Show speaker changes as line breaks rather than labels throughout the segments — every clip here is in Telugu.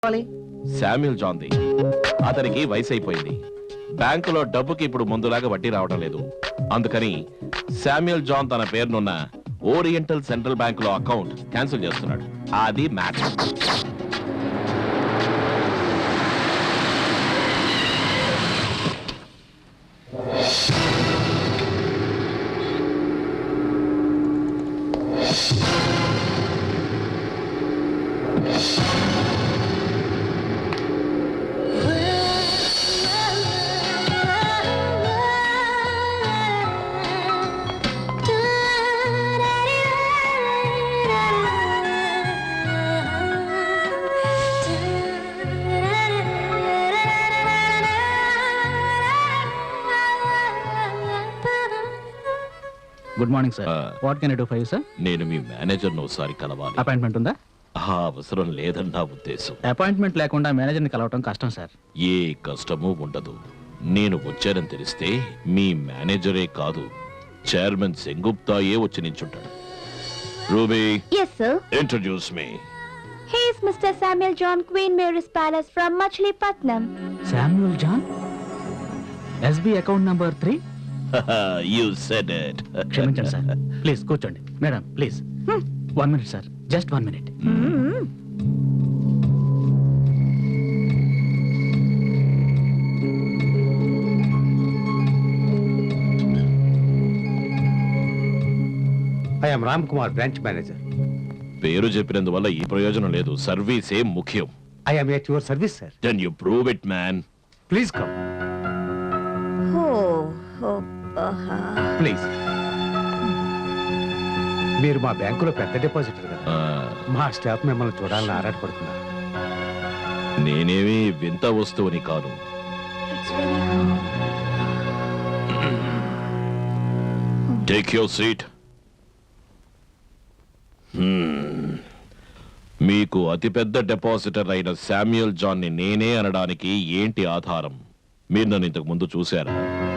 శామ్యూల్ జాన్ది. అతనికి వయసు అయిపోయింది. బ్యాంకులో డబ్బుకి ఇప్పుడు ముందులాగా వడ్డీ రావడం లేదు. అందుకని శామ్యూల్ జాన్ తన పేరునున్న ఓరియంటల్ సెంట్రల్ బ్యాంక్ లో అకౌంట్ క్యాన్సిల్ చేస్తున్నాడు. అది matter.
Good morning sir. What can I do for you sir?
నేను మీ మేనేజర్ ను ఒకసారి కలవాలి.
అపాయింట్మెంట్ ఉందా?
అవసరం లేదని నా ఉద్దేశం.
అపాయింట్మెంట్ లేకుండా మేనేజర్ని కలవటం కష్టం సార్.
ఏ కష్టమూ ఉండదు. నేను వచ్చానని తెలిస్తే మీ మేనేజరే కాదు, చైర్మన్ సెంగుప్తాయే వచ్చి నించుంటాడు. Ruby,
yes sir,
introduce me.
he is Mr. Samuel John, Queen Mary's Palace from Machilipatnam.
Samuel John, SB account number 3.
You said it.
క్షమించండి సార్. ప్లీజ్ కూర్చోండి. Madam please 1 minute sir, just 1 minute.
I am Ram Kumar, branch manager.
పేరు చెప్పినందువల్ల ఈ ప్రయోజనం లేదు. సర్వీసే ముఖ్యం.
I am at your service, sir.
Then you prove it, man.
Please come. Please. మీరు మా బ్యాంకులో పెద్ద డిపాజిటర్ కదా. మా స్టాఫ్ మిమ్మల్ని చూడాలని ఆరాటపడుతున్నారు.
నేనేమి వింత వస్తువుని కాదు. Take your seat. మీకు అతిపెద్ద డిపాజిటర్ అయిన శామ్యూల్ జాన్ ని నేనే అనడానికి ఏంటి ఆధారం? మీరు నన్ను ఇంతకు ముందు చూశారా?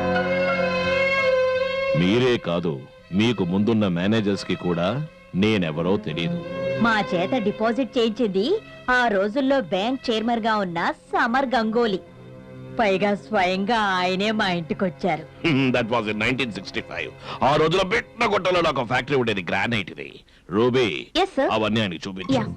మీరే కాదు, మీకు ముందున్న మేనేజర్స్ కి కూడా నేనెవరో తెలియదు.
మా చేత డిపాజిట్ చేయించింది ఆ రోజుల్లో బ్యాంక్ చైర్మన్ గా ఉన్న సమర్ గంగోలీ. పైగా స్వయంగా ఆయనే మా ఇంటికి వచ్చారు.
That was in 1965. ఆ రోజుల్లో బిట్ట కొట్టలో నాకు ఫ్యాక్టరీ ఉండేది, గ్రానైట్ ఇది. Ruby,
Yes, sir.
అవన్నీ ఆయనకి చూపించు.
Yeah.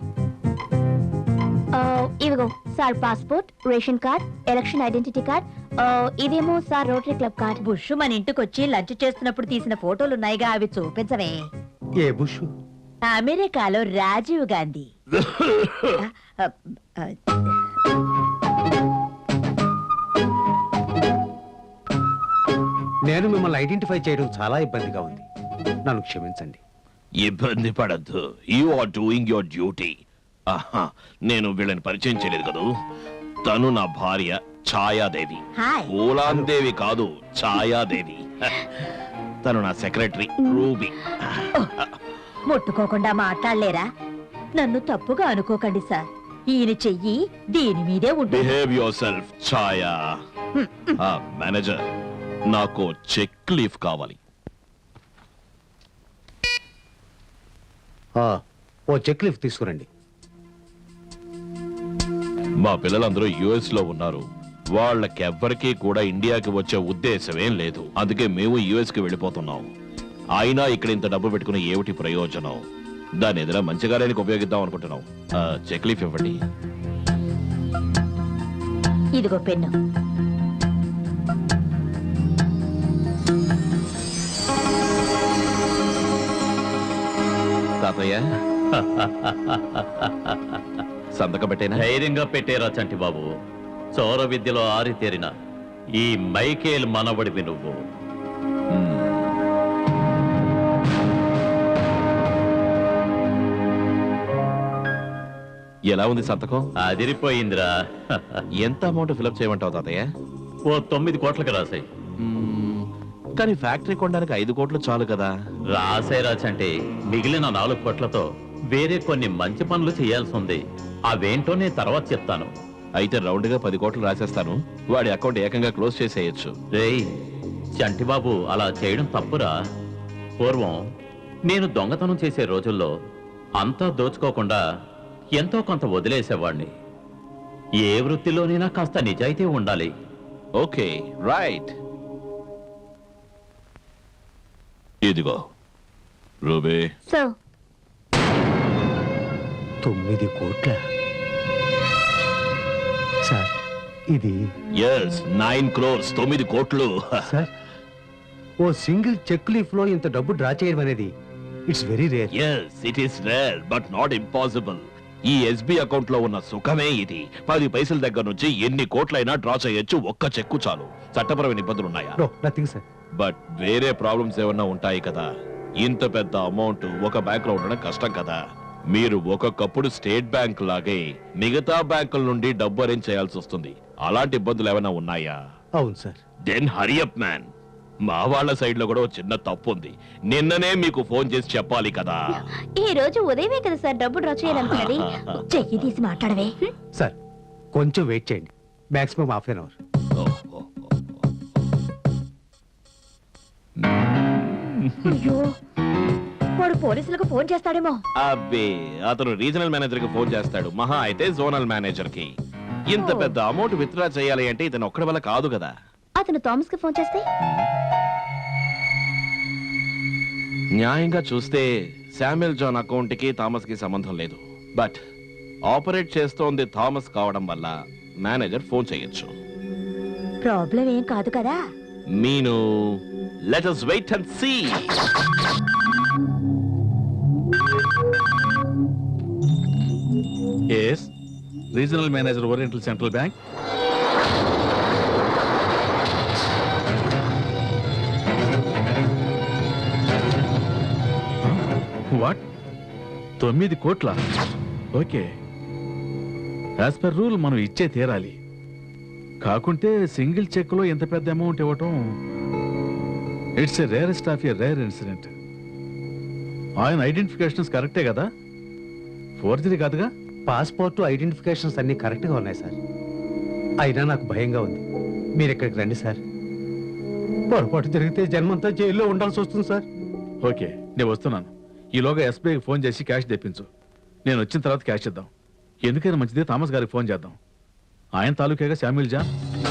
ఇదిగో sir passport, ration card, election identity card. ఇదేమో sir rotary club card. Bush మన ఇంటికి వచ్చి లంచ్ చేస్తున్నప్పుడు తీసిన ఫోటోలున్నాయిగా, అవి చూపించవే.
ఏ బుష్?
అమెరికాలో రాజీవ్ గాంధీ.
నేను మిమ్మల్ని ఐడెంటిఫై చేయడం చాలా ఇబ్బందిగా ఉంది. నన్ను క్షమించండి.
ఇబ్బంది పడద్దు. You are doing your duty. నేను వీళ్ళని పరిచయం చేయలేదు కదూ. తను నా భార్య ఛాయాదేవి.
హాయ్.
ఓలాందేవి కాదు, ఛాయాదేవి. తను నా సెక్రటరీ రూబీ.
ముట్టుకోకుండా మాట్లాడలేరా? నన్ను తప్పుగా అనుకోకండి సార్. ఈయన చెయ్యి దీని మీదే ఉంటుంది.
Behave yourself Chhaya. Manager, నాకు చెక్ లీఫ్ కావాలి.
ఓ చెక్ లీఫ్ తీసుకురండి.
మా పిల్లలందరూ యుఎస్ లో ఉన్నారు. వాళ్ళకెవ్వరికీ కూడా ఇండియాకి వచ్చే ఉద్దేశమేం లేదు. అందుకే మేము యుఎస్ కి వెళ్ళిపోతున్నాం. అయినా ఇక్కడ ఇంత డబ్బు పెట్టుకుని ఏమిటి ప్రయోజనం? దాని ఎదుర మంచిగా లేనికి ఉపయోగిద్దాం అనుకుంటున్నాం. చెక్ లీఫ్ ఇవ్వండి.
ఇదిగో పెన్ను.
తాతయ్య, సంతకం పెట్టేనా?
ధైర్యంగా పెట్టేరా చంటి బాబు. చౌర విద్యలో ఆరితేరిన ఈ మైకేల్ మనవడివి నువ్వు.
ఎలా ఉంది సంతకం?
అదిరిపోయిందిరా.
ఎంత అమౌంట్ ఫిలప్ చేయమంటావు తాతయ్య?
ఓ 9 కోట్లకు రాసాయి.
కానీ ఫ్యాక్టరీ కొనడానికి 5 కోట్లు చాలు కదా.
రాసాయి రాచంటే మిగిలిన 4 కోట్లతో వేరే కొన్ని మంచి పనులు చేయాల్సి ఉంది. అవేంటో నేను తర్వాత చెప్తాను.
అయితే రౌండ్ గా 10 కోట్లు రాసేస్తాను. వాడి అకౌంట్ ఏకంగా క్లోజ్ చేసేయచ్చు.
రేయ్ చంటిబాబు, అలా చేయడం తప్పురా. పూర్వం నేను దొంగతనం చేసే రోజుల్లో అంతా దోచుకోకుండా ఎంతో కొంత వదిలేసేవాడిని. ఏ వృత్తిలోనైనా కాస్త నిజాయితీ ఉండాలి.
Okay right. ఇదిగో రూబీ.
సార్
9 కోట్ల సార్ ఇది
ఎస్ 9 crores 9 కోట్లు.
సార్ ఓ సింగిల్ చెక్ లీఫ్ లో ఇంత డబ్బు డ్రా చేయడం అనేది it's very rare.
Yes it is rare but not impossible. ఈ ఎస్బీ అకౌంట్ లో ఉన్న సుఖమే ఇది. 10 పైసల దగ్గర నుంచి ఎన్ని కోట్లైనా డ్రా చేయొచ్చు, ఒక్క చెక్కు చాలు. చట్టపరమైన ఇబ్బందులు ఉన్నాయా?
No nothing sir.
బట్ వేరే ప్రాబ్లమ్స్ ఏమన్నా ఉంటాయి కదా. ఇంత పెద్ద అమౌంట్ ఒక బ్యాంక్ లో ఉండడం కష్టం కదా. మీరు ఒక్కొక్కప్పుడు స్టేట్ బ్యాంక్ లాగే మిగతా బ్యాంకుల నుండి డబ్బు అరేంజ్ చేయాల్సి వస్తుంది. అలాంటి ఇబ్బందులు ఏమైనా ఉన్నాయా?
అవును సార్.
Then hurry up man. మా వాళ్ళ సైడ్ లో కూడా ఒక చిన్న తప్పు ఉంది. నిన్ననే మీకు ఫోన్ చేసి చెప్పాలి కదా.
ఈ రోజు ఉదయమే కదా సార్ డబ్బు డ్రా చేయాలనుకున్నది. చెయ్యి తీసి మాట్లాడవే.
సార్ కొంచెం వెయిట్ చేయండి, మాక్సిమం హాఫ్ అన్ అవర్.
అయ్యో వాడు పోలీసులకు ఫోన్ చేస్తాడేమో.
అబ్బే అతను రీజనల్ మేనేజర్ కి ఫోన్ చేస్తాడు, మహా అయితే జోనల్ మేనేజర్ కి. ఇంత పెద్ద అమౌంట్ విత్డ్రా చేయాలి అంటే ఇతను ఒక్కడి వల్ల కాదు కదా.
అతను థామస్ కి ఫోన్ చేస్తే
న్యాయంగా చూస్తే శామ్యుల్ జాన్ అకౌంట్ కి థామస్ కి సంబంధం లేదు. బట్ ఆపరేట్ చేస్తోంది థామస్ కావడం వల్ల మేనేజర్ ఫోన్ చేయొచ్చు.
ప్రాబ్లం ఏం కాదు కదా.
Meenu let us wait and see.
Yes, Regional Manager, Oriental Central Bank. What? 9 కోట్ల? ఓకే. యాజ్ పర్ రూల్ మనం ఇచ్చే తీరాలి. కాకుంటే సింగిల్ చెక్ లో ఎంత పెద్ద అమౌంట్ ఇవ్వటం it's a rarest of a rare incident. ఆయన ఐడెంటిఫికేషన్స్ కరెక్టే కదా? ఫోర్జరీ కాదుగా?
పాస్పోర్ట్ ఐడెంటిఫికేషన్స్ అన్ని కరెక్ట్ గా ఉన్నాయి సార్. అయినా నాకు భయంగా ఉంది. మీరు ఇక్కడికి రండి సార్. పొరపాటు జరిగితే జన్మంతా జైల్లో ఉండాల్సి వస్తుంది సార్.
ఓకే, నేను వస్తున్నాను. ఈలోగా ఎస్బీఐకి ఫోన్ చేసి క్యాష్ తెప్పించు. నేను వచ్చిన తర్వాత క్యాష్ ఇద్దాం. ఎందుకైనా మంచిదే థామస్ గారికి ఫోన్ చేద్దాం. ఆయన తాలూకేగా శామ్యుల్ జాన్.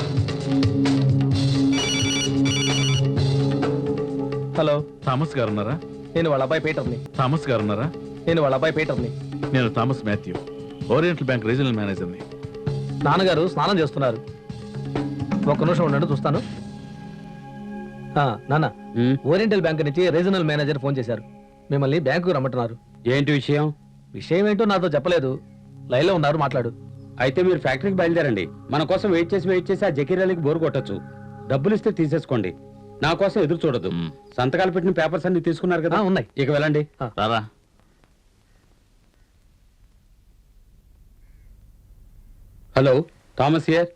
హలో,
థామస్ గారు ఉన్నారా?
నేను వాళ్ళ అబ్బాయి పీటర్ని.
థామస్ గారు ఉన్నారా?
నేను వాళ్ళ అబ్బాయి పీటర్ని.
నేను Thomas Matthew, Oriental bank regional మేనేజర్ని.
నాన్నగారు స్నానం చేస్తున్నారు. ఒక్క నిమిషం ఉండండి, చూస్తాను. నాన్న, ఓరియంటల్ బ్యాంక్ నుంచి రీజనల్ మేనేజర్ ఫోన్ చేశారు. మిమ్మల్ని బ్యాంకుకు రమ్మంటున్నారు.
ఏంటి విషయం?
విషయం ఏంటో నాతో చెప్పలేదు. లైన్లో ఉన్నారు, మాట్లాడు.
అయితే మీరు ఫ్యాక్టరీకి బయలుదేరండి. మన కోసం వెయిట్ చేసి ఆ జకీరాలకి బోరు కొట్టచ్చు. డబ్బులు ఇస్తే తీసేసుకోండి. నా కోసం ఎదురు చూడదు. సంతకాలు పెట్టిన పేపర్స్ అన్ని తీసుకున్నారు కదా?
ఉన్నాయి.
ఇక వెళ్ళండి.
రారా.
Hello, Thomas here.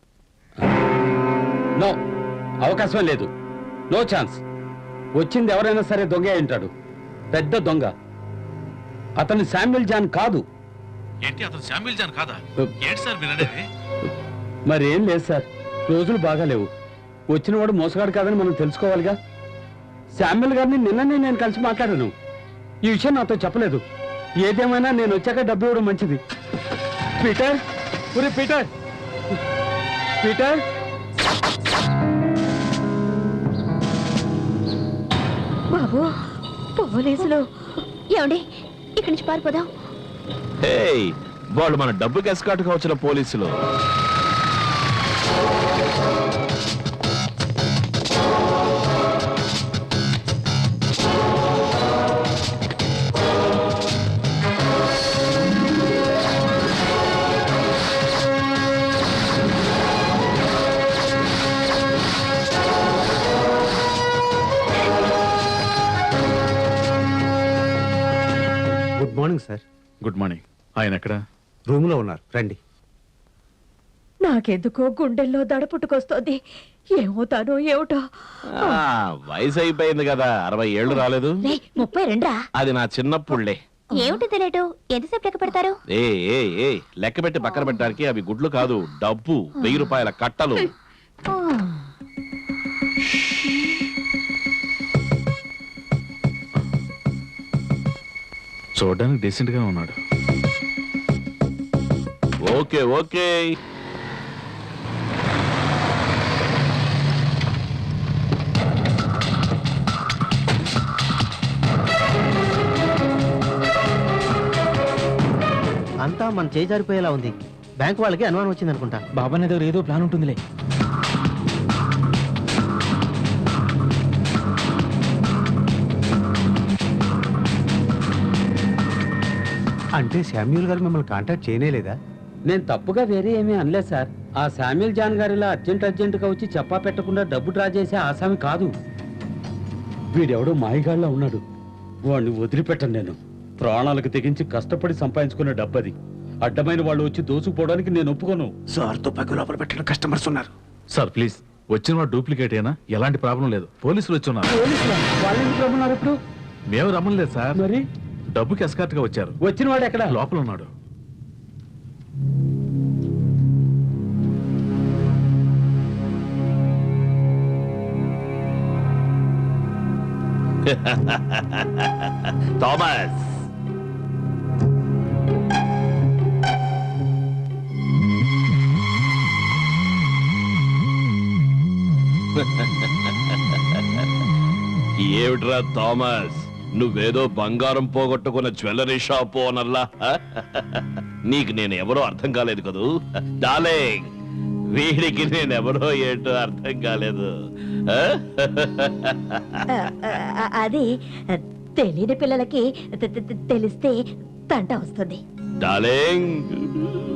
నో, అవకాశం లేదు. No chance. వచ్చింది ఎవరైనా సరే దొంగ అయి ఉంటాడు. పెద్ద దొంగ. అతను శామ్యుల్ జాన్ కాదు.
ఏంటి, అతను శామ్యుల్ జాన్ కాదా? ఏంటి సార్ మీరు అనేది?
మరేం లేదు సార్, రోజులు బాగాలేవు. వచ్చినవాడు మోసగాడు కాదని మనం తెలుసుకోవాలిగా. శామ్యుల్ గారిని నిన్ననే నేను కలిసి మాట్లాడాను. ఈ విషయం నాతో చెప్పలేదు. ఏదేమైనా నేను వచ్చాక డబ్బు ఇవ్వడం మంచిది. పీటర్, ఒరే పీటర్, పీటర్.
బాబు పోలీసులు. ఏమండి ఇక్కడి నుంచి పారిపోదాం.
హే, వాళ్ళు మన డబ్బుకి ఎస్కాటుగా వచ్చిన పోలీసులు.
Good morning sir.
Good morning. ఆయన ఎక్కడ?
రూమ్ లో ఉన్నారు, రండి.
నాకెందుకో గుండెల్లో దడ పుట్టుకొస్తోంది. ఏమవుతానో ఏమిటో.
వయసు అయిపోయింది కదా, 60 ఏళ్ళు రాలేదు.
32 రా.
అది నా చిన్నప్పుడులే.
ఏమిటి తెలియటు? ఎంతసేపు లెక్క పెడతారు?
ఏ ఏ ఏ లెక్క పెట్టి పక్కన పెట్టడానికి అవి గుడ్లు కాదు, డబ్బు. 1000 రూపాయల కట్టలు.
చూడడానికి డీసెంట్ గా ఉన్నాడు.
Okay okay.
అంతా మన చేయి జారిపోయేలా ఉంది. బ్యాంక్ వాళ్ళకి అనుమానం వచ్చింది అనుకుంటా.
బాబా దగ్గర ఏదో ప్లాన్ ఉంటుందిలే.
అంటే శామ్యూల్ గారు మిమ్మల్ని కాంటాక్ట్ చేయనేలేదా?
నేను తప్పుగా వేరే ఏమీ అనలేదు సార్. ఆ శామ్యుల్ జాన్ గారిలా అర్జెంటుగా వచ్చి చెప్పా పెట్టకుండా డబ్బు డ్రా చేసే ఆసామి కాదు. వీడెవడో మాయగాళ్ళ ఉన్నాడు. వాడిని వదిలిపెట్టను నేను. ప్రాణాలకు తెగించి కష్టపడి సంపాదించుకున్న డబ్బది. అడ్డమైన వాళ్ళు వచ్చి దోసుకుపోవడానికి నేను ఒప్పుకోను.
సార్ తుపాకీ లోపల పెట్టిన కస్టమర్స్ ఉన్నారు.
సార్ ప్లీజ్, వచ్చిన వాడు డూప్లికేట్ అయినా ఎలాంటి ప్రాబ్లం లేదు. పోలీసులు వచ్చి ఉన్నారు.
వాళ్ళు ఎందుకు రమ్మన్నారు ఇప్పుడు?
మేము రమ్మలేదు సార్,
మరి
డబ్బుకి ఎస్కార్ట్ గా వచ్చారు.
వచ్చిన వాడు ఎక్కడ?
లోపల ఉన్నాడు.
థామస్, ఏమిట్రా థామస్, నువ్వేదో బంగారం పోగొట్టుకున్న జ్యువెలరీ షాప్ ఓనర్లా? నీకు నేను ఎవరో అర్థం కాలేదు కదూ డార్లింగ్. వీడికి నేనెవరో ఏంటో అర్థం కాలేదు.
అది తెలియని పిల్లలకి తెలిస్తే తంట వస్తుంది.
డార్లింగ్,